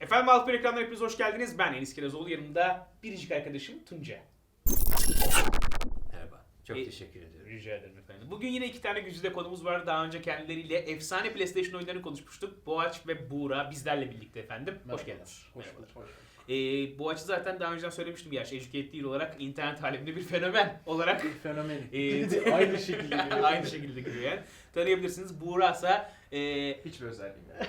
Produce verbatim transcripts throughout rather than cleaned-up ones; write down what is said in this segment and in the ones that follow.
Efendim Altın ekranlar hepiniz hoş geldiniz. Ben Enis Kirazoğlu, yanımda biricik arkadaşım Tunca. Merhaba. Çok E, teşekkür ediyorum. Rica ederim efendim. Bugün yine iki tane güzide konumuz var. Daha önce kendileriyle efsane PlayStation oyunlarını konuşmuştuk. Boğaç ve Buğra bizlerle birlikte efendim. Hoş geldiniz. Hoş Merhabalar. bulduk. Hoş bulduk. Ee, Boğaç'ı zaten daha önceden söylemiştim gerçi. Educate değil olarak internet aleminde bir fenomen olarak. Bir fenomen. e, Aynı şekilde geliyor. Aynı şekilde giriyor yani. Tanıyabilirsiniz. Buğra ise e, Hiçbir özelliği yok.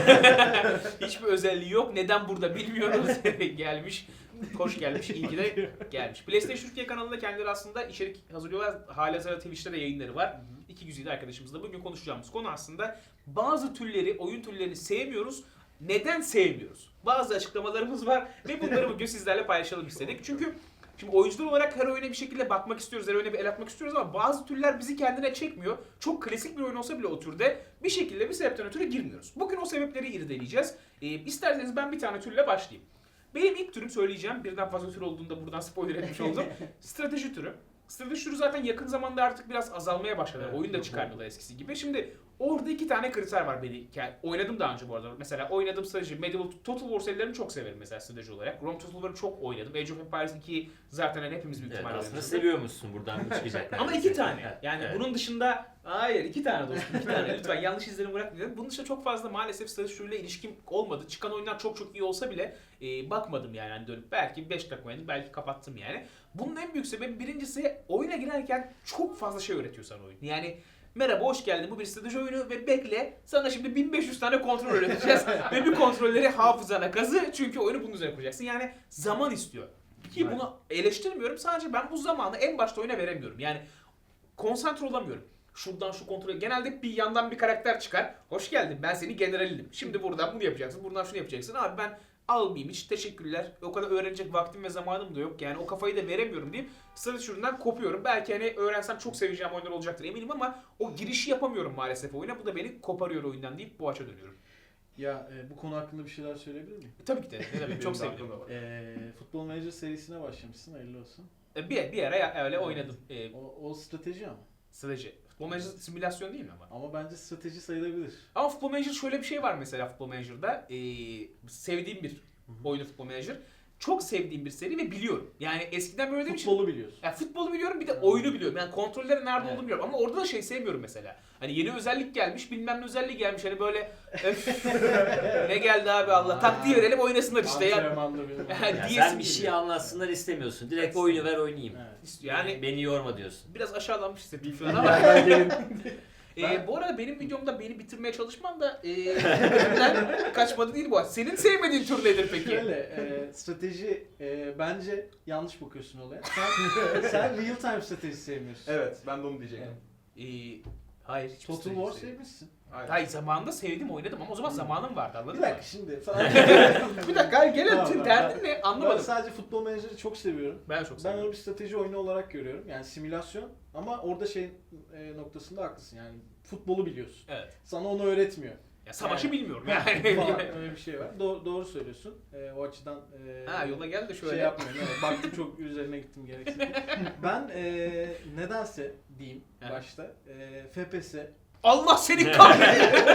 hiçbir özelliği yok. Neden burada bilmiyoruz. Gelmiş. Hoş gelmiş. İyi ki de gelmiş. PlayStation Türkiye kanalında kendileri aslında içerik hazırlıyorlar. Halihazırda Twitch'te de yayınları var. İki güzide arkadaşımızla bugün konuşacağımız konu aslında bazı türleri, oyun türlerini sevmiyoruz. Neden sevmiyoruz? Bazı açıklamalarımız var ve bunları bugün sizlerle paylaşalım istedik. Çünkü şimdi oyuncular olarak her oyuna bir şekilde bakmak istiyoruz, her oyuna bir el atmak istiyoruz ama bazı türler bizi kendine çekmiyor. Çok klasik bir oyun olsa bile o türde bir şekilde bir sebepten ötürü girmiyoruz. Bugün o sebepleri irdeleyeceğiz. Ee, isterseniz ben bir tane türle başlayayım. Benim ilk türüm söyleyeceğim, birden fazla tür olduğunda buradan spoiler etmiş oldum. Strateji türü. Strateji türü zaten yakın zamanda artık biraz azalmaya başladı. Evet, Oyun da çıkarmıyorlar eskisi gibi. Şimdi orada iki tane kriter var beni. Yani oynadım daha önce bu arada. Mesela oynadım strateji. Medieval Total War serilerini çok severim mesela strateji olarak. Rome Total War'ı çok oynadım. Age of Empires ikiyi zaten hani hepimiz büyük Evet, ihtimalle aslında oynamışızdır. seviyormuşsun buradan mı çıkacaklar? Ama iki tane. Yani Evet. bunun dışında hayır iki tane dostum iki tane lütfen yanlış izlenim bırakmayın. Bunun dışında çok fazla maalesef strateji türüyle ilişkim olmadı. Çıkan oyunlar çok çok iyi olsa bile e, bakmadım yani hani dönüp belki beş dakika oynadım belki kapattım yani. Bunun en büyük sebebi birincisi oyuna girerken çok fazla şey öğretiyor sana oyun. Yani merhaba hoş geldin bu bir strateji oyunu ve bekle sana şimdi bin beş yüz tane kontrol öğreteceğiz ve bu kontrolleri hafızana kazı çünkü oyunu bunun üzerine kuracaksın. Yani zaman istiyor. Ki bunu eleştirmiyorum sadece ben bu zamanı en başta oyuna veremiyorum. Yani konsantre olamıyorum. Şuradan şu kontrolü. Genelde bir yandan bir karakter çıkar. Hoş geldin ben seni generalinim. Şimdi buradan bunu yapacaksın. Buradan şunu yapacaksın. Abi ben almayayım hiç teşekkürler. O kadar öğrenecek vaktim ve zamanım da yok. Yani o kafayı da veremiyorum deyip strateji üründen kopuyorum. Belki hani öğrensem çok seveceğim oyunlar olacaktır eminim ama o girişi yapamıyorum maalesef oyuna. Bu da beni koparıyor oyundan deyip bu açığa dönüyorum. Ya e, bu konu hakkında bir şeyler söyleyebilir miyim? E, tabii ki de. Ne demek, çok sevdim. E, Futbol Manager serisine başlamışsın. Hayırlı olsun. E, bir, bir ara öyle oynadım. E, O, o strateji ama. strateji. Futbol Manager simülasyon değil mi ama? Ama bence strateji sayılabilir. Ama Futbol Manager şöyle bir şey var mesela Futbol Manager'da. Ee, sevdiğim bir oyunu Futbol Manager. Çok sevdiğim bir seri ve biliyorum. Yani eskiden böyle değil Futbolu biliyorsun. yani futbolu biliyorum bir de Evet. oyunu biliyorum. Yani kontrollerin nerede Evet. olduğunu biliyorum. Ama orada da şey sevmiyorum mesela. Hani yeni özellik gelmiş, bilmem ne özelliği gelmiş. Hani böyle öf, ne geldi abi Allah. Taktiği verelim oynasınlar işte ya. Antrenmanda benim. Ya, Ya diyesim sen bir şey geliyor. anlatsınlar istemiyorsun. Direkt oyunu ver oynayayım. Evet. Yani Beni yorma diyorsun. biraz aşağılanmış hissettim şu an ama. Ben gelin. Ee, Ben- bu arada benim videomda beni bitirmeye çalışman da e, elimden kaçmadı değil bu. Senin sevmediğin tür nedir peki? Şöyle, e, strateji e, bence yanlış bakıyorsun olaya. Sen, sen real time strateji sevmiyorsun. Evet, ben de onu diyecektim. Ee, hayır hiç Total War sevmişsin. Aynen. Hayır zamanında sevdim oynadım ama o zaman zamanım vardı anladın Bir mı? dakika şimdi falan. Bir dakika hayır gelelim Tamam, tüm tamam. derdin ne Ben anlamadım. sadece Futbol Manager'ı çok seviyorum. Ben çok Ben seviyorum. onu bir strateji oyunu olarak görüyorum. Yani simülasyon ama orada şey e, noktasında haklısın. Yani futbolu biliyorsun. Evet. Sana onu öğretmiyor. Ya savaşı Yani- bilmiyorum Falan, yani. öyle bir şey var. Do- doğru söylüyorsun. E, o açıdan e, ha yola gel de şöyle. şey yapmıyorum. Evet, baktım çok üzerine gittim gereksiz. Ben e, nedense diyeyim Evet. başta e, F P S Allah seni kahretsin.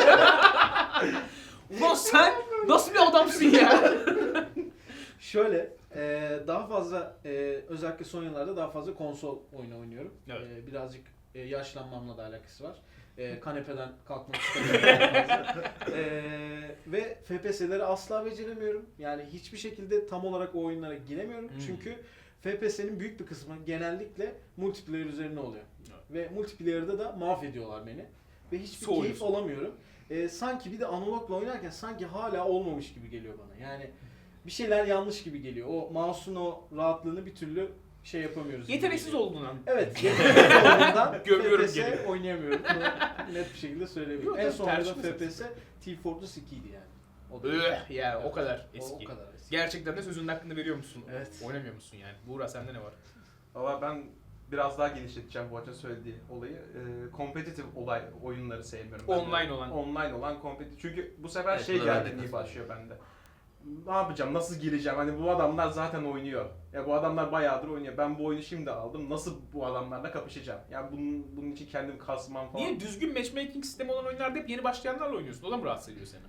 Ulan sen nasıl bir adamsın ya? şöyle e, daha fazla e, özellikle son yıllarda daha fazla konsol oyunu oynuyorum. Evet. E, birazcık e, yaşlanmamla da alakası var. E, kanepeden kalkmak istemiyorum. e, ve F P S'leri asla beceremiyorum. Yani hiçbir şekilde tam olarak o oyunlara giremiyorum. Hmm. Çünkü F P S'nin büyük bir kısmı genellikle multiplayer üzerine oluyor. Ve multiplayer'da da mahvediyorlar beni. Ve hiçbir Soğuyorsun. keyif alamıyorum. E, sanki bir de analogla oynarken sanki hala olmamış gibi geliyor bana. Yani bir şeyler yanlış gibi geliyor. O mouse'un o rahatlığını bir türlü şey yapamıyoruz. gibi Yeteneksiz geliyor. olduğundan. Evet, yeteneksiz olduğundan Gömüyorum F P S geri. oynayamıyorum. Bunu net bir şekilde söyleyebilirim. Yok, En tabii, son tercih oynadığım F P meselesi. S Team Fortress ikiydi yani. O da Öh ya o kadar O, eski. o kadar eski. Gerçekten de sözünün hakkını veriyor musun? Evet. Oynamıyor musun yani? Buğra sende ne var? Valla ben biraz daha genişleteceğim bu açıdan söylediği olayı. Ee, competitive olay oyunları sevmiyorum. ben de. Online olan. Online olan competitive. Çünkü bu sefer Evet, şey buna ben de gerginliği katılıyorum. başlıyor bende. Ne yapacağım? Nasıl gireceğim? Hani bu adamlar zaten oynuyor. Ya bu adamlar bayağıdır oynuyor. Ben bu oyunu şimdi aldım. Nasıl bu adamlarla kapışacağım? Yani bunun bunun için kendimi kasmam falan. Niye düzgün matchmaking sistemi olan oyunlarda hep yeni başlayanlarla oynuyorsun? O da mı rahatsız ediyor seni?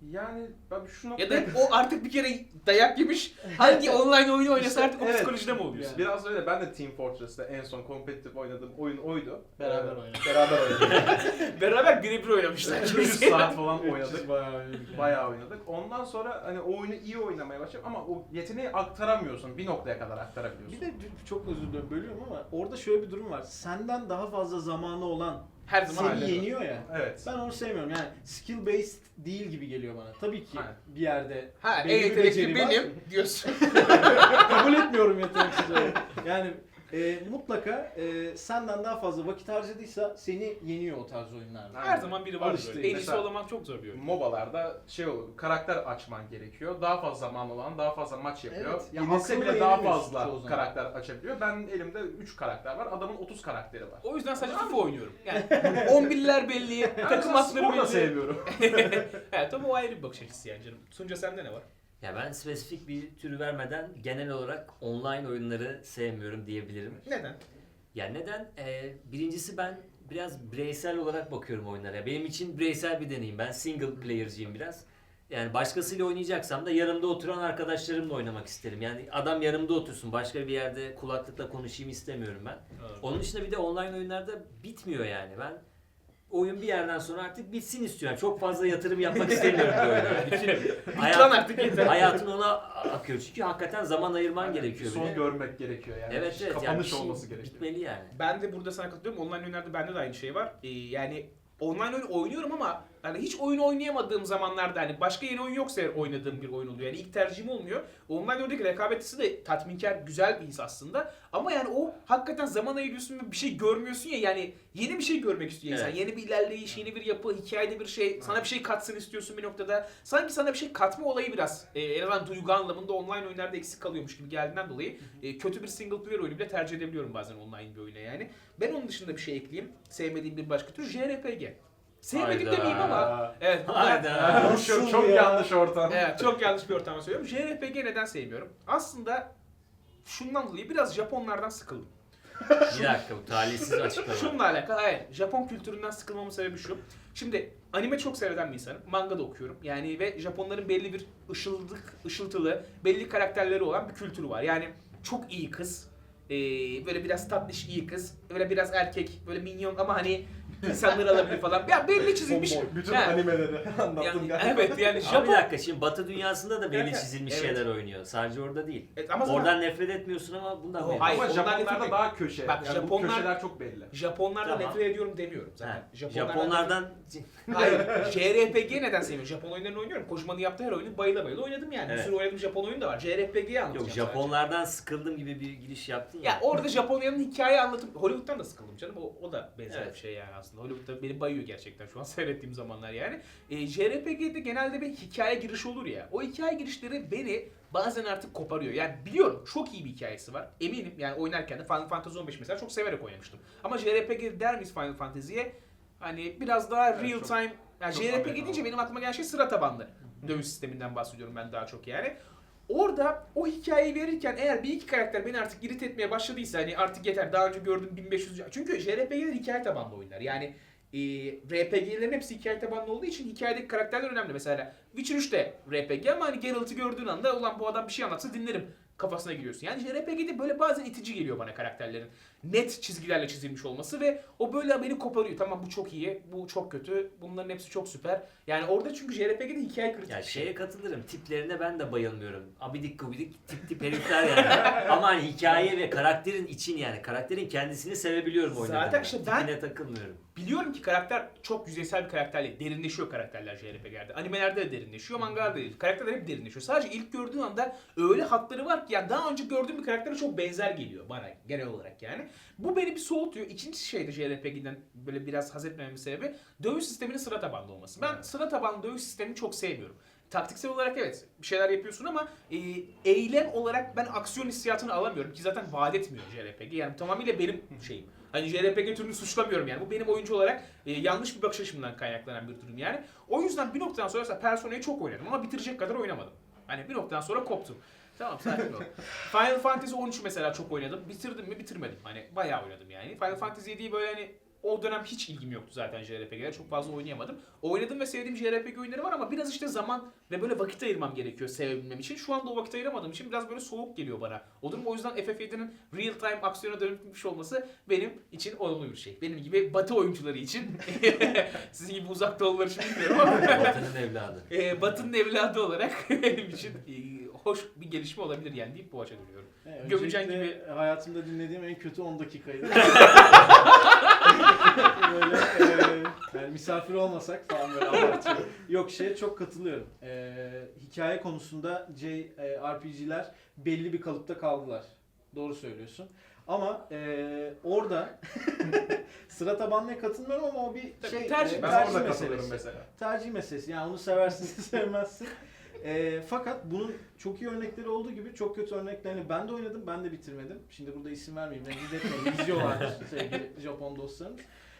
Yani ben şu Ya noktada... da o artık bir kere dayak yemiş. Hangi online oyunu oynasa İşte artık o evet. psikolojide mi oluyorsun? Yani. Biraz öyle. Ben de Team Fortress'te en son kompetitif oynadığım oyun oydu. Beraber Ee, oynadık. Beraber oynadık. Beraber birebir oynamışlar. üç yüz saat falan oynadık. üç yüz bayağı oynadık. yani. Bayağı oynadık. Ondan sonra hani o oyunu iyi oynamaya başladım ama o yeteneği aktaramıyorsun. Bir noktaya kadar aktarabiliyorsun. Bir de çok özür dilerim bölüyorum ama orada şöyle bir durum var. Senden daha fazla zamanı olan Her zaman seni öyle. yeniyor ya. Evet. Ben onu sevmiyorum. Yani skill based değil gibi geliyor bana. Tabii ki Aynen. bir yerde Ha, en belli bir yetenekli beceri var. benim diyorsun. Kabul etmiyorum yeteneksiz olarak. Yani e, mutlaka e, senden daha fazla vakit harcadıysa seni yeniyor o tarz oyunlarda. Her zaman biri var Alıştı. böyle. En iyisi Mesela- olamak çok zor bir oyun. MOBA'larda şey olur, karakter açman gerekiyor. Daha fazla zaman olan daha fazla maç yapıyor. Evet, ya Yenilse akıllı bile daha yenemiyorsun çoğu fazla zaman. karakter açabiliyor. Ben elimde üç karakter var. Adamın otuz karakteri var. O yüzden sadece FIFA oynuyorum. Yani on birler belli, Ben takım mesela atları spor da belli. sevmiyorum. Evet ama o ayrı bir bakış açısı yani canım. Sunca sende ne var? Ya ben spesifik bir tür vermeden genel olarak online oyunları sevmiyorum diyebilirim. Neden? Ya neden? Ee, birincisi ben biraz bireysel olarak bakıyorum oyunlara. Benim için bireysel bir deneyim. Ben single player'cıyım biraz. Yani başkasıyla oynayacaksam da yanımda oturan arkadaşlarımla oynamak isterim. Yani adam yanımda otursun. Başka bir yerde kulaklıkla konuşayım istemiyorum ben. Onun dışında bir de online oyunlarda bitmiyor yani. Ben oyun bir yerden sonra artık bitsin istiyorum. Çok fazla yatırım yapmak istemiyorum bu oyuna. Bütün Lan hayat, artık yeter. hayatın ona akıyor. Çünkü hakikaten zaman ayırman Yani gerekiyor. Son bir de. görmek gerekiyor yani. Evet evet. Yani bir Kapanış şey olması gerekiyor. bitmeli yani. Ben de burada sana katılıyorum. Online oyunlarda bende de aynı şey var. Ee, yani online oyun oynuyorum ama hani hiç oyun oynayamadığım zamanlarda hani başka yeni oyun yoksa eğer oynadığım bir oyun oluyor. Yani ilk tercihim olmuyor. Online oyundaki rekabetçisi de tatminkar, güzel bir his aslında. Ama yani o hakikaten zaman ayırıyorsun ve bir şey görmüyorsun ya yani yeni bir şey görmek istiyor insan. Evet. Yeni bir ilerleyiş, yeni bir yapı, hikayede bir şey, sana bir şey katsın istiyorsun bir noktada. Sanki sana bir şey katma olayı biraz e, en azından duygu anlamında online oyunlarda eksik kalıyormuş gibi geldiğinden dolayı e, kötü bir single player oyunu bile tercih edebiliyorum bazen online bir oyuna yani. Ben onun dışında bir şey ekleyeyim. Sevmediğim bir başka tür J R P G. Sevmedim Hayda. demeyeyim ama evet. bu da- Hayda. Bu şu Nasıl çok ya? yanlış ortam. Evet çok yanlış bir ortamda söylüyorum. J R P G neden sevmiyorum? Aslında şundan dolayı biraz Japonlardan sıkıldım. Bir dakika bu talihsiz açıklama. Şununla alakalı evet. Japon kültüründen sıkılmamın sebebi şu. Şimdi anime çok seyreden bir insanım. Manga da okuyorum. Yani ve Japonların belli bir ışıldık, ışıltılı, belli karakterleri olan bir kültürü var. Yani çok iyi kız. Ee, böyle biraz tatlış iyi kız. Böyle biraz erkek. Böyle minyon ama hani insanları alabilir falan. Ya belli çizilmiş. Tomboy. Bütün Ha. animeleri anlattın Yani, galiba. evet yani Ama Japon... bir dakika şimdi Batı dünyasında da belli Evet, çizilmiş evet. şeyler oynuyor. Sadece orada değil. Evet, ama zaten- Oradan nefret etmiyorsun ama bundan Yo, memnun. hayır. Ama ondan nefret Japonlarda etmiyorum. daha köşe. Bak, yani bu Japonlar- köşeler çok belli. Japonlardan Tamam. nefret ediyorum demiyorum zaten. Ha, Japonlardan... Japonlardan Hayır. J R P G neden sevmiyorum? Japon oyunlarını oynuyorum. Kojima'nın yaptığı her oyunu bayıla bayıla oynadım yani. Evet. Bir sürü oynadığım Japon oyunu da var. J R P G'yi anlatacağım yok sadece. Japonlardan sıkıldım gibi bir giriş yaptın ya. Ya orada Japonya'nın hikaye anlatım... Hollywood'dan da sıkıldım canım. O, o da benzer Evet. bir şey yani aslında. Hollywood'da beni bayıyor gerçekten şu an seyrettiğim zamanlar yani. E, J R P G'de genelde bir hikaye girişi olur ya. O hikaye girişleri beni bazen artık koparıyor. Yani biliyorum çok iyi bir hikayesi var. Eminim yani oynarken de Final Fantasy on beş mesela çok severek oynamıştım. Ama J R P G der miyiz Final Fantasy'ye? Hani biraz daha Evet, real çok- time... Yani çok J R P G Amerikan deyince oldu. benim aklıma gelen şey sıra tabanlı. Dövüş sisteminden bahsediyorum ben daha çok yani. Orada o hikayeyi verirken eğer bir iki karakter beni artık irit etmeye başladıysa hani artık yeter daha önce gördüğüm bin beş yüz... Çünkü J R P G'ler hikaye tabanlı oyunlar. Yani e, R P G'lerin hepsi hikaye tabanlı olduğu için hikayedeki karakterler önemli. Mesela Witcher üç de R P G ama hani Geralt'ı gördüğün anda ulan bu adam bir şey anlatsa dinlerim kafasına giriyorsun. Yani J R P G'de böyle bazen itici geliyor bana karakterlerin. Net çizgilerle çizilmiş olması ve o böyle beni koparıyor. Tamam bu çok iyi, bu çok kötü, bunların hepsi çok süper. Yani orada çünkü J R P G'de hikaye kritik Ya bir şey. şeye katılırım. Tiplerine ben de bayılmıyorum. Abidik gubidik tip tip herifler yani. Ama hani hikaye ve karakterin için yani. Karakterin kendisini sevebiliyorum oynadığımda. Zaten işte ben- Tipine takılmıyorum. Biliyorum ki karakter çok yüzeysel bir karakterle derinleşiyor karakterler J R P G'lerde. Animelerde de derinleşiyor, mangalarda da değil. Karakterler hep derinleşiyor. Sadece ilk gördüğün anda öyle hatları var ki yani daha önce gördüğüm bir karaktere çok benzer geliyor bana genel olarak yani. Bu beni bir soğutuyor. İkinci şey de J R P G'den böyle biraz haz etmememin sebebi dövüş sisteminin sıra tabanlı olması. Ben Evet. sıra tabanlı dövüş sistemini çok sevmiyorum. Taktiksel olarak evet bir şeyler yapıyorsun ama e, eylem olarak ben aksiyon hissiyatını alamıyorum ki zaten vaat etmiyor J R P G. Yani tamamıyla benim şeyim. Hani J R P G türünü suçlamıyorum yani. Bu benim oyuncu olarak e, yanlış bir bakış açımdan kaynaklanan bir durum yani. O yüzden bir noktadan sonra mesela Persona'yı çok oynadım ama bitirecek kadar oynamadım. Hani bir noktadan sonra koptum. Tamam sakin ol. Final Fantasy on üç mesela çok oynadım. Bitirdim mi bitirmedim. Hani bayağı oynadım yani. Final Fantasy yediyi böyle hani o dönem hiç ilgim yoktu zaten J R P G'lere. Çok fazla oynayamadım. Oynadığım ve sevdiğim J R P G oyunları var ama biraz işte zaman ve böyle vakit ayırmam gerekiyor sevebilmem için. Şu anda o vakit ayıramadığım için biraz böyle soğuk geliyor bana. O durum o yüzden F F yedi'nin real time aksiyona dönüşmüş olması benim için olumlu bir şey. Benim gibi batı oyuncuları için, sizin gibi uzak doğular için bilmiyorum ama Vatanın evladı. e, Batı'nın evladı olarak benim için e, hoş bir gelişme olabilir yani deyip bu açı dönüyorum. Evet, Gömücen öncelikle gibi- hayatımda dinlediğim en kötü on dakikaydı. böyle e, yani misafir olmasak falan böyle abartıyorum. Yok şeye çok katılıyorum. E, hikaye konusunda J R P G'ler belli bir kalıpta kaldılar. Doğru söylüyorsun. Ama e, orada sıra tabanlıya katılmıyorum ama o bir Tabii, şey tercih. e, Ben tercih orada meselesi. katılıyorum mesela. Tercih meselesi. Yani onu seversin, sevmezsin. E, fakat bunun çok iyi örnekleri olduğu gibi çok kötü örneklerini ben de oynadım, ben de bitirmedim. Şimdi burada isim vermeyeyim, rencide etmeyin. İzliyorlardır sevgili Japon dostlarımız.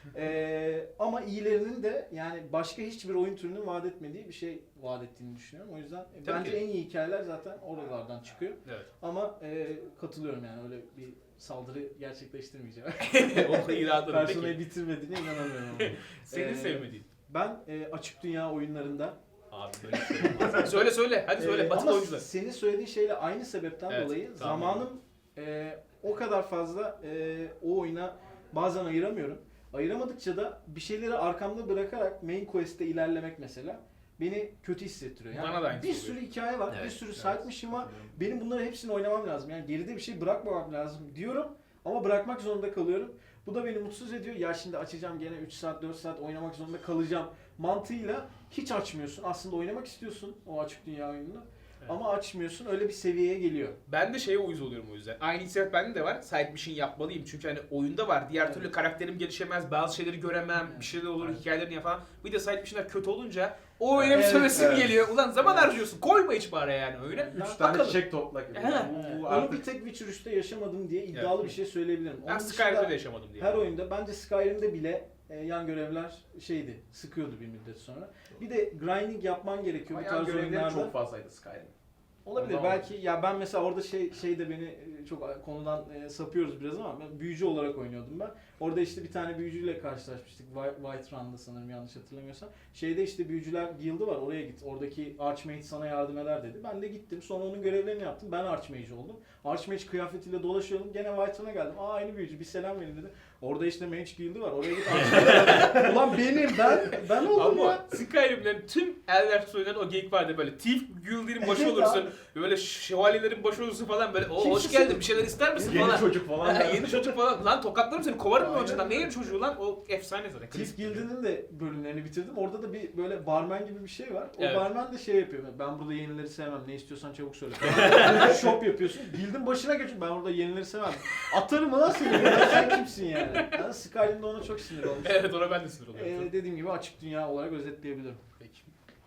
E, ama iyilerinin de yani başka hiçbir oyun türünün vaat etmediği bir şey vaat ettiğini düşünüyorum. O yüzden e, Tabii bence ki. en iyi hikayeler zaten oralardan çıkıyor. Evet. Ama e, katılıyorum yani öyle bir saldırı gerçekleştirmeyeceğim. o iradım Personayı peki. bitirmediğine inanamıyorum ama. Senin Ee, sevmediğin. Ben e, açık dünya oyunlarında Abi böyle bir şey olmaz. Söyle söyle. Hadi söyle. Ee, Batılı ama oyuncular. senin söylediğin şeyle aynı sebepten Evet, dolayı tamam. zamanım e, o kadar fazla e, o oyuna bazen ayıramıyorum. Ayıramadıkça da bir şeyleri arkamda bırakarak main quest'te ilerlemek mesela beni kötü hissettiriyor. Yani Bana da aynısı bir oluyor. sürü hikaye var, bir Evet, sürü evet. side mission var. Benim bunları hepsini oynamam lazım. Yani geride bir şey bırakmamam lazım diyorum ama bırakmak zorunda kalıyorum. Bu da beni mutsuz ediyor. Ya şimdi açacağım gene üç saat dört saat oynamak zorunda kalacağım mantığıyla hiç açmıyorsun. Aslında oynamak istiyorsun o açık dünya oyununu. Evet. Ama açmıyorsun. Öyle bir seviyeye geliyor. Ben de şeye uyuz oluyorum o yüzden. Aynı hissiyat bende de var. Side mission yapmalıyım. Çünkü hani oyunda var. Diğer Evet. türlü karakterim gelişemez. Bazı şeyleri göremem. Evet. Bir şeyler olur. Evet. Hikayelerini yapamam. Bir de side mission'lar kötü olunca o oyuna bir Evet, sövesim evet. geliyor. Ulan zaman Evet. harcıyorsun. Koyma hiç bari yani oyuna. Ben- Üç tane Bakalım. çiçek topla gibi. Ha. Bu, bu Onu artık bir tek Witcher üçte yaşamadım diye iddialı Evet. bir şey söyleyebilirim. Ben Onun Skyrim'de dışında de yaşamadım diye. her oyunda bence Skyrim'de bile e, yan görevler şeydi, sıkıyordu bir müddet sonra. Bir de grinding yapman gerekiyor bu bayağı tarz görevleri oyunlarda. çok fazlaydı Skyrim. Olabilir Ondan belki ya ben mesela orada şey şey de beni e, çok konudan e, sapıyoruz biraz ama ben büyücü olarak oynuyordum ben. Orada işte bir tane büyücüyle karşılaşmıştık. Whi- White Run'da sanırım yanlış hatırlamıyorsam. Şeyde işte büyücüler guild'i var oraya git. Oradaki Archmage sana yardım eder dedi. Ben de gittim. Sonra onun görevlerini yaptım. Ben Archmage oldum. Archmage kıyafetiyle dolaşıyordum. Gene White Run'a geldim. Aa aynı büyücü bir selam verin dedi. Orada işte Mage guild'i var. Oraya git Archmage. Ulan benim ben ben oldum Ama ya. Skyrim'lerin tüm Elder Scrolls'ların o geyik vardı böyle. Thief Guild'in başı Evet olursun. abi. Böyle şövalyelerin başı olursun falan böyle. O hoş Kimse- geldin bir şeyler ister misin Yeni falan. çocuk falan. Ha, yeni çocuk falan. Lan tokatlarım seni kovarım mı Aynen. önceden? Ne yeni çocuğu lan? O efsane zaten. Thief Guild'inin de bölümlerini bitirdim. Orada da bir böyle barman gibi bir şey var. O Evet. barman da şey yapıyor. Ben burada yenileri sevmem. Ne istiyorsan çabuk söyle. Shop yapıyorsun. Guild'in başına geçiyorsun. Ben burada yenileri sevmem. Atarım lan seni. Ya sen kimsin yani? Ben Skyrim'de ona çok sinir olmuştum. Evet ona ben de sinir oluyorum. Ee, dediğim gibi açık dünya olarak özetleyebilirim. Peki.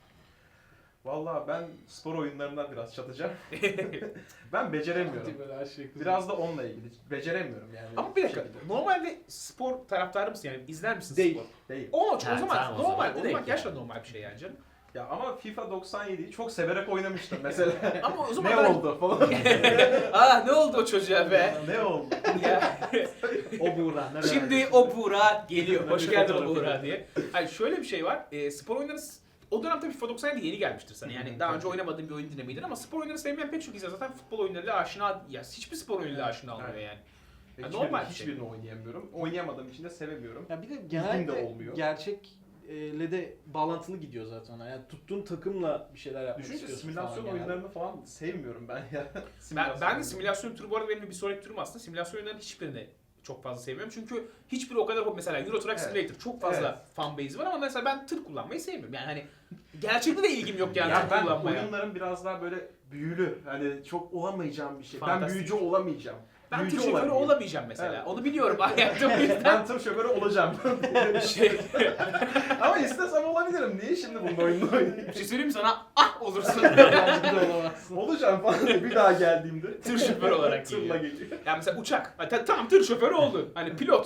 Valla ben spor oyunlarından biraz çatacağım. Ben beceremiyorum. Böyle her şey kızıyor. Biraz da onunla ilgili. Beceremiyorum yani. Ama bir dakika. şekilde. Normalde spor taraftarı mısın yani? İzler misin Değil. spor? Değil. O, o Ha, zaman tamam, o normal. zaman O zaman direkt gerçekten yani. normal bir şey yani canım. Ya ama FIFA doksan yediyi çok severek oynamıştım mesela. Ama o zaman ne ben- oldu falan. Aa ne oldu o çocuğa be? ne oldu? Ya. O Buğra. ne Şimdi merak o Buğra geliyor. Hoş Bir geldin o fotoğrafı Buğra yok. diye. Hayır şöyle bir şey var. E, spor oyunları o dönem tabii FIFA doksan yedi yeni gelmiştir sana. Yani daha önce oynamadığın bir oyun dinlemiydin ama spor oyunları sevmeyen pek çok insan zaten futbol oyunlarıyla aşina ya hiçbir spor oyunuyla aşina olmuyor Evet. yani. Ve Ya hiçbirini, normal bir şey. hiçbirini oynayamıyorum. Oynayamadığım için de sevemiyorum. Ya bir de de genelde olmuyor. gerçekle de bağlantılı gidiyor zaten ona. Yani tuttuğun takımla bir şeyler yapmak Düşünce istiyorsun simülasyon falan genelde. oyunlarını falan sevmiyorum ben ya. Ben, Simülasyon ben de oyunları. simülasyon türü bu arada benim bir sonraki türüm aslında. Simülasyon oyunlarının hiçbirini çok fazla sevmiyorum. Çünkü hiçbiri o kadar mesela Euro Truck Evet. Simulator çok fazla Evet. fan base'i var ama mesela ben tır kullanmayı sevmiyorum. Yani hani gerçekte de ilgim yok yani Ya tır ben kullanmaya. oyunların biraz daha böyle büyülü, hani çok olamayacağım bir şey. Ben Fantastik. büyücü olamayacağım. Ben büyücü tır şoförü olamayayım. olamayacağım mesela. Evet. Onu biliyorum hayatta o yüzden. Ben tır şoförü olacağım. şey, Ama istesem olabilirim. Niye şimdi bunun oyununu oynayayım? bir şey söyleyeyim mi sana? Ah olursun. Bence de olamazsın. Olacağım falan diye bir daha geldiğimde. Tır şoförü olarak Tırla geliyor. geliyor. Yani mesela uçak. Ha, ta- tamam tır şoförü oldun. Hani pilot.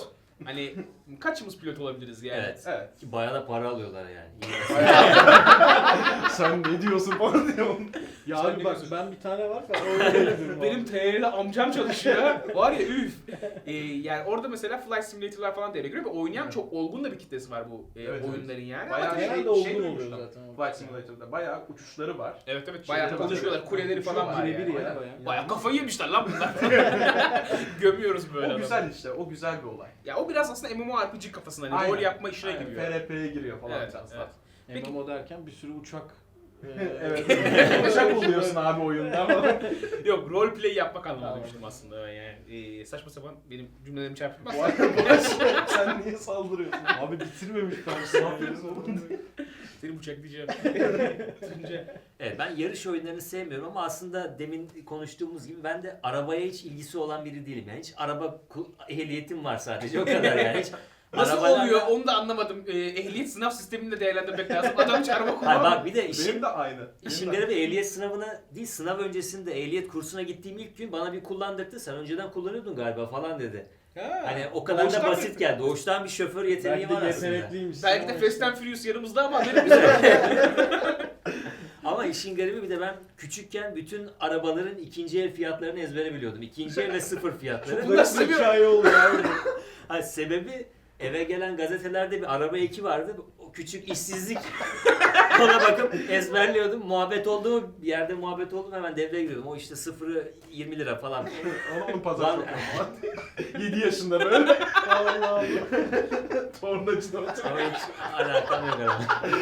Hani kaçımız pilot olabiliriz yani? Evet. Evet. Ki bayağı da para alıyorlar yani. İyi. Sen ne diyorsun falan diyorum. Ya Sen abi ne bak diyorsun? ben bir tane var falan öyle diyorum Benim abi. T L'de amcam çalışıyor. Var ya üf. Ee, yani orada mesela Flight Simulator'lar falan devreye giriyor ve oynayan Evet. çok olgun da bir kitlesi var bu e, Evet, evet. oyunların yani. Bayağı Ama- şey, Genelde şey olgun oluyor duymuştum. zaten. Flight Simulator'da bayağı uçuşları var. Evet evet Şey, bayağı tabii, konuşuyorlar. tabii. Kuleleri falan var Birebir yani. ya Aynen. bayağı. Bayağı kafayı yemişler lan bunlar. Gömüyoruz böyle O adamı. güzel işte, o güzel bir olay. Ya o biraz aslında MMORPG kafasında hani Aynen. rol yapma işine Aynen, giriyor. F R P'ye giriyor falan Evet, biraz evet. daha. Peki- M M O derken bir sürü uçak. e, Evet. Uçak oluyorsun abi oyunda falan. Yok roleplay yapmak anlamında Tamam. demiştim aslında yani. Ee, saçma sapan benim cümlelerimi çarpıtmaz. Bu arada sen niye saldırıyorsun? Abi bitirmemiş ben. Ne yapıyorsun oğlum? Seni bıçaklayacağım. Önce. Evet, ben yarış oyunlarını sevmiyorum ama aslında demin konuştuğumuz gibi ben de arabaya hiç ilgisi olan biri değilim. Yani hiç araba ku- ehliyetim var sadece o kadar yani. Hiç Nasıl arabalarla- oluyor onu da anlamadım. Ee, ehliyet sınav sistemini de değerlendirmek lazım. Adam hiç araba Hayır kullanmıyor. bak bir de işin, Benim de aynı. işin Benim de- garibi ehliyet sınavına değil sınav öncesinde ehliyet kursuna gittiğim ilk gün bana bir kullandırdı. Sen önceden kullanıyordun galiba falan dedi. Ha. Hani o kadar Doğuştan da bir- basit geldi. Doğuştan bir şoför yeteneği Belki var de aslında. yetenekliymiş. Belki de Ama Fast işte- and Furious yanımızda ama haberimiz yok. Ama işin garibi bir de ben küçükken bütün arabaların ikinci el fiyatlarını ezbere biliyordum. İkinci el ve sıfır fiyatları. Çok Bunlar nasıl seviyor. hikaye oluyor abi. Ha, sebebi eve gelen gazetelerde bir araba eki vardı. O küçük işsizlik ona bakıp ezberliyordum. Muhabbet oldu bir yerde muhabbet oldu mu hemen devreye giriyordum. O işte sıfırı yirmi lira falan. Onu onun pazar Lan- çok falan. yedi yaşında böyle. Allah Allah. Tornacıda oturuyor. Ama hiç alakam yok arada.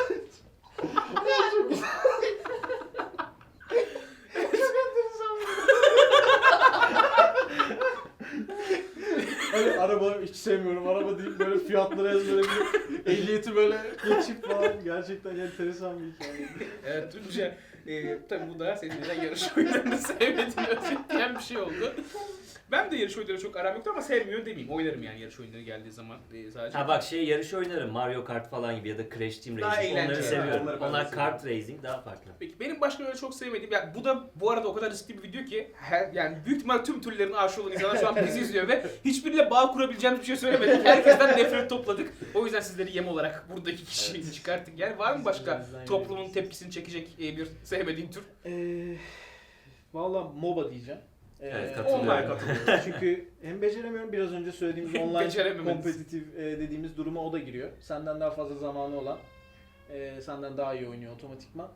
Hani araba hiç sevmiyorum. Araba deyip böyle fiyatları ezbere bilip ehliyeti böyle geçip falan. Gerçekten enteresan bir hikaye. Evet Tunca. E, tabii bu da senin neden yarış oyunlarını sevmediğini özetleyen bir şey oldu. Ben de yarış oyunları çok aram yoktu ama sevmiyorum demeyeyim. Oynarım yani yarış oyunları geldiği zaman e, sadece. Ha bak şey yarış oynarım Mario Kart falan gibi ya da Crash Team Daha Racing onları eğlenceli. seviyorum. Onları ben de Onlar seviyorum. kart racing daha farklı. Peki benim başka öyle çok sevmediğim, ya bu da bu arada o kadar riskli bir video ki her, yani büyük ihtimal tüm türlerin aşığı olan insanlar şu an bizi izliyor ve hiçbiriyle bağ kurabileceğimiz bir şey söylemedik. Herkesten nefret topladık. O yüzden sizleri yem olarak buradaki kişiyi çıkarttık. Yani var mı başka Bizden toplumun yememiz. tepkisini çekecek e, bir sevmediğin tür? Eee Valla MOBA diyeceğim. Eee, Evet, katılıyorum. online katılıyorum. Çünkü hem beceremiyorum biraz önce söylediğimiz online Becerememeniz. kompetitif e, dediğimiz duruma o da giriyor. Senden daha fazla zamanı olan, e, senden daha iyi oynuyor otomatikman.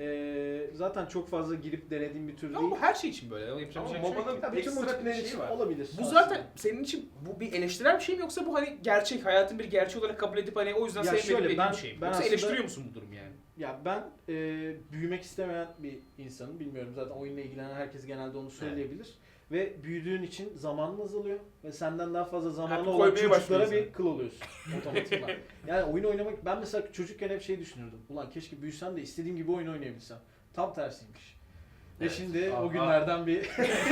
E, zaten çok fazla girip denediğim bir tür değil. Ama bu her şey için böyle. Yapacak bir Ama şey yok. MOBA'nın Tabii tüm ekstra bir multiplayer şey için var. olabilir. Bu aslında. zaten senin için bu bir eleştirel bir şey mi yoksa bu hani gerçek, hayatın bir gerçeği olarak kabul edip hani o yüzden Ya sevmediğin şöyle, dediğin ben- bir şey mi? ben Yoksa aslında- eleştiriyor musun bu durum yani? Ya ben e, büyümek istemeyen bir insanım. Bilmiyorum zaten oyunla ilgilenen herkes genelde onu söyleyebilir. Ve büyüdüğün için zamanın azalıyor. Ve senden daha fazla zamanı Artık olan koymaya çocuklara başlıyorsun. bir kıl oluyorsun otomatikman. Yani oyun oynamak, ben mesela çocukken hep şey düşünürdüm. Ulan keşke büyüsem de istediğim gibi oyun oynayabilsem. Tam tersiymiş. Ve Evet. şimdi Aa, o günlerden bir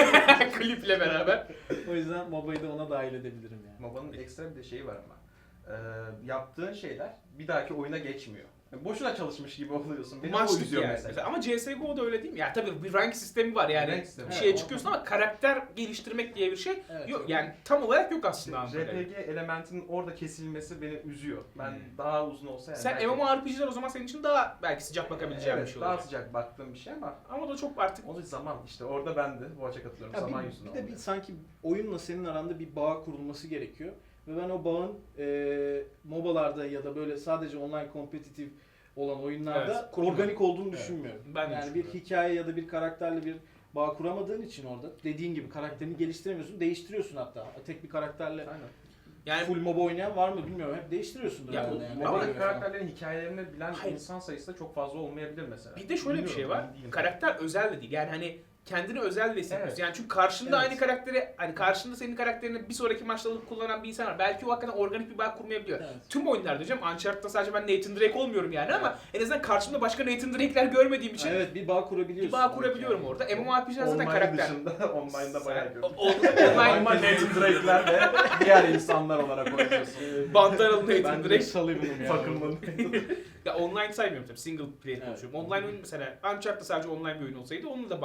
Kliple beraber. o yüzden MOBA'yı da ona dahil edebilirim yani. MOBA'nın ekstra bir de şeyi var ama. Ee, yaptığın şeyler bir dahaki oyuna geçmiyor. Yani boşuna çalışmış gibi oluyorsun. Beni o Maçlık üzüyor yani. mesela. Mesela. Ama C S G O'da öyle değil mi? Ya tabii bir rank sistemi var yani. Rank sistemi. Bir şeye Evet, çıkıyorsun ama karakter geliştirmek diye bir şey Evet. yok. Yani tam olarak yok aslında. R Ankara'da. P G elementinin orada kesilmesi beni üzüyor. Ben Hmm. daha uzun olsa yani. Sen belki- MMORPG'ler o zaman senin için daha belki sıcak bakabileceğin evet, bir şey daha olacak. sıcak baktığım bir şey ama Ama o da çok artık o da zaman işte orada ben de bu açığa katılıyorum. Ya zaman bir, yüzünden bir de bir oluyor. sanki oyunla senin aranda bir bağ kurulması gerekiyor. Ve ben o bağın e, MOBA'larda ya da böyle sadece online kompetitif olan oyunlarda Evet, kurulmuyor. organik olduğunu Evet. düşünmüyorum. Ben de yani bir düşünmüyorum. hikaye ya da bir karakterle bir bağ kuramadığın için orada dediğin gibi karakterini geliştiremiyorsun, değiştiriyorsun hatta. Tek bir karakterle Aynen. yani full MOBA oynayan var mı bilmiyorum. Hep değiştiriyorsundur Ya herhalde o- yani. ama MOBA'ya MOBA'daki göre falan. karakterlerin hikayelerini bilen Hayır. insan sayısı da çok fazla olmayabilir mesela. bir de şöyle bir şey Bilmiyorum, var. emin değilim. Karakter özel de değil. Yani hani kendini özel de hissediyorsun. Evet. Yani çünkü karşında Evet. aynı karakteri, hani karşında senin karakterini bir sonraki maçta alıp kullanan bir insan var. Belki o hakikaten organik bir bağ kurmayabiliyor. Evet. Tüm oyunlarda diyeceğim. Uncharted'da sadece ben Nathan Drake olmuyorum yani ama en azından karşımda başka Nathan Drake'ler görmediğim için Evet bir bağ kurabiliyorsun. bir bağ kurabiliyorum Yani. orada. MMORPG'ler zaten Online karakter. dışında online'da bayağı Sen- gördüm. o- o- Online Online Nathan Drake'ler ve diğer insanlar olarak oynuyorsun. Ee, Bantaralı ben Nathan de Drake. Sullivan'ım yani. Fakırmanın. Ya online saymıyorum tabii. Single player Evet. konuşuyorum. Online oyun mesela Uncharted'da sadece online bir oyun olsaydı onunla da bağ Evet. kuramazdım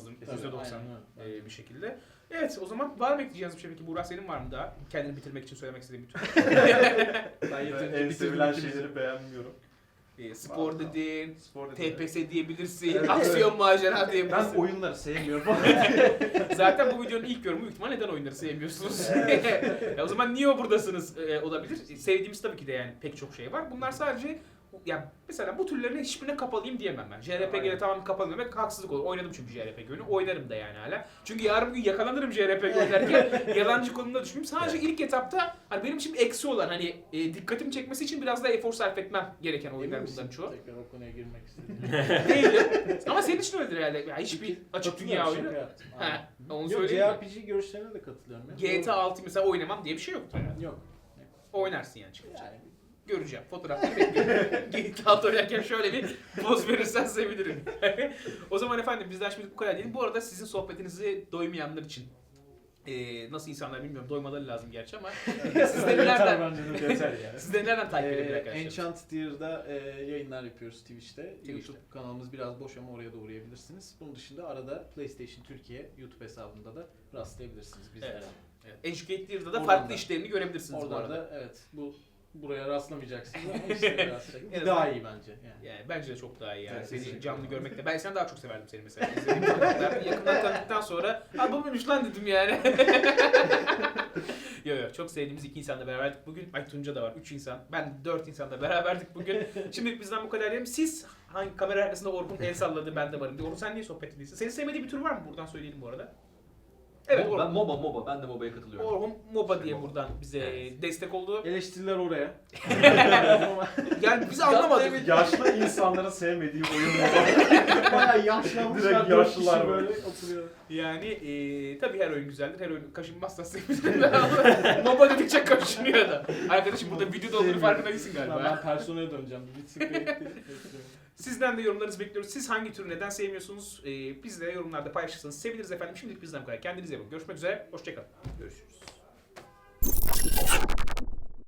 lazım. Tabii, yüzde doksan aynen öyle. e, bir şekilde. Evet o zaman var mı ekleyeceğiniz bir şey peki? Buğra senin var mı daha? Kendini bitirmek için söylemek istediğin bir tür. Ben Ben yeterince en bitirdim sevilen ikimizi. şeyleri beğenmiyorum. E, spor Vallahi. dedin, Spor T P S diyebilirsin, Evet, aksiyon macera Ben diyebilirsin. oyunları sevmiyorum falan. Zaten bu videonun ilk yorumu büyük ihtimal neden oyunları sevmiyorsunuz? Ya o zaman niye buradasınız e, olabilir. Sevdiğimiz tabii ki de yani pek çok şey var. Bunlar sadece ya mesela bu türlerin hiçbirine kapalıyım diyemem ben. J R P G'de Aynen. tamamen kapalı demek haksızlık olur. Oynadım çünkü J R P G oyunu. Oynarım da yani hala. Çünkü yarın bir gün yakalanırım J R P G oynarken yalancı konumda düşmeyeyim. Sadece ilk etapta hani benim için eksi olan hani e, dikkatimi çekmesi için biraz daha efor sarf etmem gereken Emin oyunlar misin? bunların çoğu. Tekrar o konuya girmek istedim. Değilim. Ama senin için öyledir herhalde. Ya hiçbir açık dünya Katılıyorum, oyunu. şaka yaptım. Ha, Aynen. onu Yok, söyleyeyim mi? J R P G görüşlerine de katılıyorum. ya. G T A altı mesela oynamam diye bir şey yoktur herhalde. Yok. Oynarsın yani çıkınca. Yani Göreceğim. Fotoğrafları bekliyorum. G T A altı oynarken şöyle bir poz verirsen sevinirim. O zaman efendim bizden şimdi bu kadar diyelim. Bu arada sizin sohbetinizi doymayanlar için e, nasıl insanlar bilmiyorum. Doymaları lazım gerçi ama sizleri yeter nereden, bence de. Yeter yani. sizleri nereden takip edebilir Ee, arkadaşlar? Enchant Tier'da e, yayınlar yapıyoruz Twitch'te. Twitch'te. YouTube kanalımız biraz boş ama oraya da uğrayabilirsiniz. Bunun dışında arada PlayStation Türkiye YouTube hesabında da rastlayabilirsiniz bizlere. Evet. Evet. Educate Lear'da da Oradan farklı da. işlerini görebilirsiniz bu Oradan arada. da evet bu buraya rastlamayacaksınız ama işte rastlayın. En Daha azından- iyi bence. Yani. Yani bence de çok daha iyi yani. Evet, Seni kesinlikle. canlı görmekte. Ben seni daha çok severdim seni mesela. İzlediğim tanıklar. Yakından tanıdıktan sonra ha bu muymuş lan dedim yani. Yo yo çok sevdiğimiz iki insanla beraberdik bugün. Ay Tunca da var. Üç insan. Ben dört insanla beraberdik bugün. Şimdilik bizden bu kadar diyelim. Siz hangi kamera arkasında Orhun el salladı ben de varım diye. Orhun sen niye sohbet ediyorsun? Senin sevmediği bir tür var mı? Buradan söyleyelim bu arada. Evet Mo- Orhun. ben MOBA MOBA ben de MOBA'ya katılıyorum. Orhun MOBA diye MOBA. buradan bize Evet. destek oldu. Eleştiriler oraya. Yani biz anlamadık. Yaşlı insanların sevmediği oyun mu? Bayağı yaşlanmışlar. Direkt dört yaşlılar kişi böyle. böyle oturuyor. Yani eee tabii her oyun güzeldir. Her oyun kaşınmazsa sevinirim ama MOBA dedikçe kaşınıyor da. Arkadaşım burada videoda olduğunu farkında değilsin Ben, galiba. ben personaya döneceğim. Bir bitsin bekliyorum. Sizden de yorumlarınızı bekliyoruz. Siz hangi türü neden sevmiyorsunuz? Ee, bizle yorumlarda paylaşırsanız seviniriz efendim. Şimdilik bizden bu kadar. Kendinize iyi bakın. Görüşmek üzere. Hoşçakalın. Görüşürüz.